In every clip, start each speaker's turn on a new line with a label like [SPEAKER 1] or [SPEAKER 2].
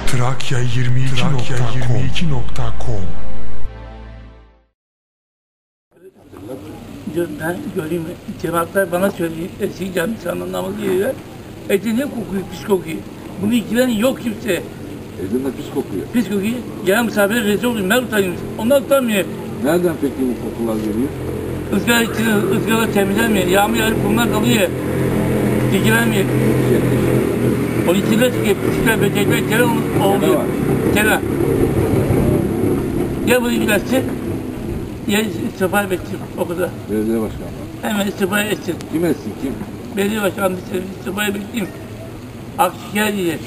[SPEAKER 1] Trakya22.com
[SPEAKER 2] Ben göreyim, cevaplar bana söyleyeyim, eski camisanın anlamı diyorlar. Eti ne kokuyor, pis kokuyor. Bunu ikilen yok kimse.
[SPEAKER 3] Etin de pis kokuyor.
[SPEAKER 2] Pis kokuyor, gelen misafire rezil oluyor, ben utanıyorum. Onlar utanmıyor.
[SPEAKER 3] Nereden peki bu kokular geliyor?
[SPEAKER 2] Izgara içinde, ızgara temizlenmiyor, yağmur yağıp kumlar kalıyor. Dikilenmiyor. O içinde çıkıyor, pisler, böcekler, kere oluyor. Kere. Ya bunu ilgilensin, ya istifa etsin, o kadar.
[SPEAKER 3] Belediye başkanı.
[SPEAKER 2] Hemen istifa etsin.
[SPEAKER 3] Kim etsin kim?
[SPEAKER 2] Belediye başkanı istifaya bekleyeyim. Akşeker diye.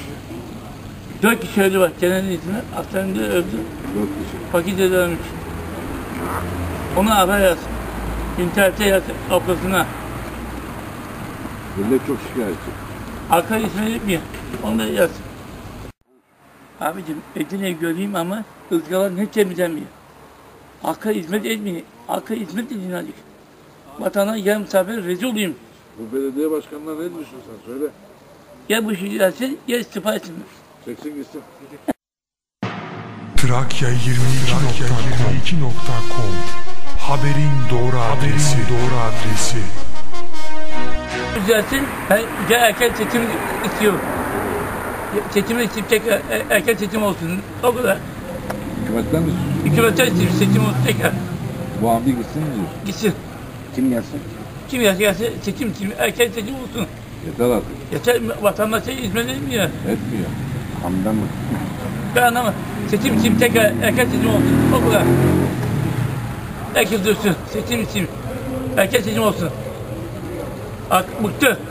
[SPEAKER 2] 4 kişi öldü var. Kenan izine. Hastanede öldü.
[SPEAKER 3] 4 kişi.
[SPEAKER 2] Fakirde ölmüş. Ona haber yaz. İnternette yaz oklasına.
[SPEAKER 3] Millet çok şikayetçi.
[SPEAKER 2] Arka ismini etmiyor. Onu da yaz. Abicim Edirne'yi göreyim ama ızgara ne temizlenmiyor. Halka hizmet etmiyor. Halka hizmet edin azıcık. Vatana yarım misafir rezil olayım.
[SPEAKER 3] Bu belediye başkanına ne diyorsun sen söyle.
[SPEAKER 2] Ya bu işi gelsin ya istifa etsin.
[SPEAKER 3] Çeksin gitsin.
[SPEAKER 1] Trakya22.com Haberin doğru adresi.
[SPEAKER 2] Düzelsin, ben erken seçim istiyorum. Seçimi isteyip tekrar erken seçim olsun. O kadar.
[SPEAKER 3] Hükümetten mi istiyorsun?
[SPEAKER 2] Hükümetten istiyorum, seçim olsun tekrar.
[SPEAKER 3] Bu hamdi gitsin mi diyorsun?
[SPEAKER 2] Gitsin.
[SPEAKER 3] Kim gelsin?
[SPEAKER 2] Kim gelse seçim, erken seçim olsun.
[SPEAKER 3] Yeter artık.
[SPEAKER 2] Yeter, vatandaşa hizmet etmiyor.
[SPEAKER 3] Etmiyor. Hamdan mı?
[SPEAKER 2] Ben anlamam. Seçim için tekrar erken seçim olsun. O kadar. Herkes dursun. Seçim için erken seçim olsun. Bıktı.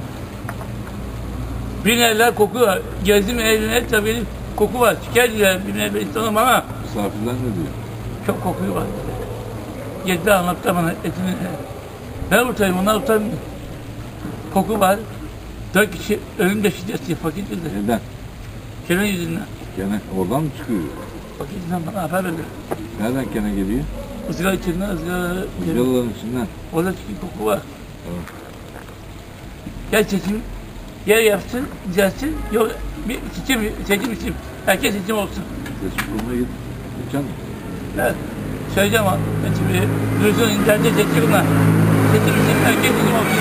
[SPEAKER 2] Binerler koku var. Gezdim evine tabii koku var. Şikayetçiler binerler istemem ama
[SPEAKER 3] Misafirler ne diyor?
[SPEAKER 2] çok kokuyu var. Gezdi anlattı bana etini. Ben utanıyorum, onlar utanmıyor. Koku var. 4 kişi ölümde şiddetli fakir bildi.
[SPEAKER 3] Neden?
[SPEAKER 2] Kenan yüzünden.
[SPEAKER 3] Gene oradan mı çıkıyor?
[SPEAKER 2] Fakir yüzünden bana haber verdi.
[SPEAKER 3] Nereden gene geliyor?
[SPEAKER 2] Izgara içinden, ızgara...
[SPEAKER 3] Yalıların içinden.
[SPEAKER 2] Orada çıkıyor koku var.
[SPEAKER 3] Evet.
[SPEAKER 2] Gel seçim, yer yapsın, düzelsin. Yok, bir seçim için. Herkes seçim olsun.
[SPEAKER 3] Seçim kuruluna git. Geçen mi?
[SPEAKER 2] Ben söyleyeceğim ama ben şimdi duysun internette seçimler. Seçim için herkes seçim olsun.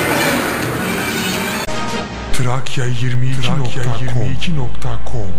[SPEAKER 1] Trakya22.com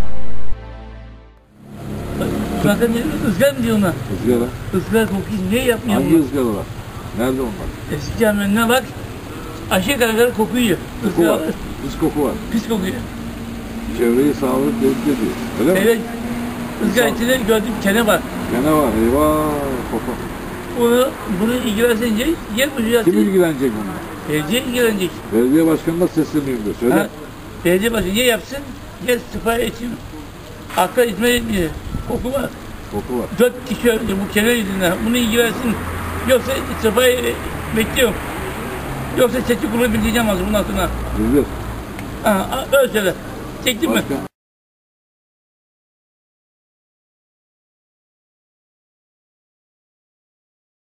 [SPEAKER 2] Zaten ızgara mı diyor ona?
[SPEAKER 3] Izgara.
[SPEAKER 2] Izgara kokuyu niye yapmıyor
[SPEAKER 3] Hangi
[SPEAKER 2] bunu?
[SPEAKER 3] ızgaralar? Nerede onlar?
[SPEAKER 2] Eski camlarına bak, aşağı kadar kokuyor.
[SPEAKER 3] Koku var. Pis koku var.
[SPEAKER 2] Pis kokuyor.
[SPEAKER 3] Çevreyi sağlık tehdit ediyor. Öyle mi?
[SPEAKER 2] Evet, ızgara içinde gördüğüm kene var.
[SPEAKER 3] Gene var. Eyvah. Koku.
[SPEAKER 2] Bunu ilgilensince yer bu düzelsin.
[SPEAKER 3] Kim ilgilenecek bununla?
[SPEAKER 2] Belediye ilgilenecek.
[SPEAKER 3] Belediye başkanına sesleniyorum da. Söyle.
[SPEAKER 2] Ha, belediye başkanı ya yapsın, ya istifa etsin. Halka hizmet etmiyor. Koku var.
[SPEAKER 3] Koku var.
[SPEAKER 2] 4 kişi öldü bu kere yüzünden. Bunu ilgilensin. Yoksa istifayı bekliyorum. Yoksa seçim kurulu bildireceğim az bundan sonra.
[SPEAKER 3] Bildir.
[SPEAKER 2] Öyle söyle. Çektin mi?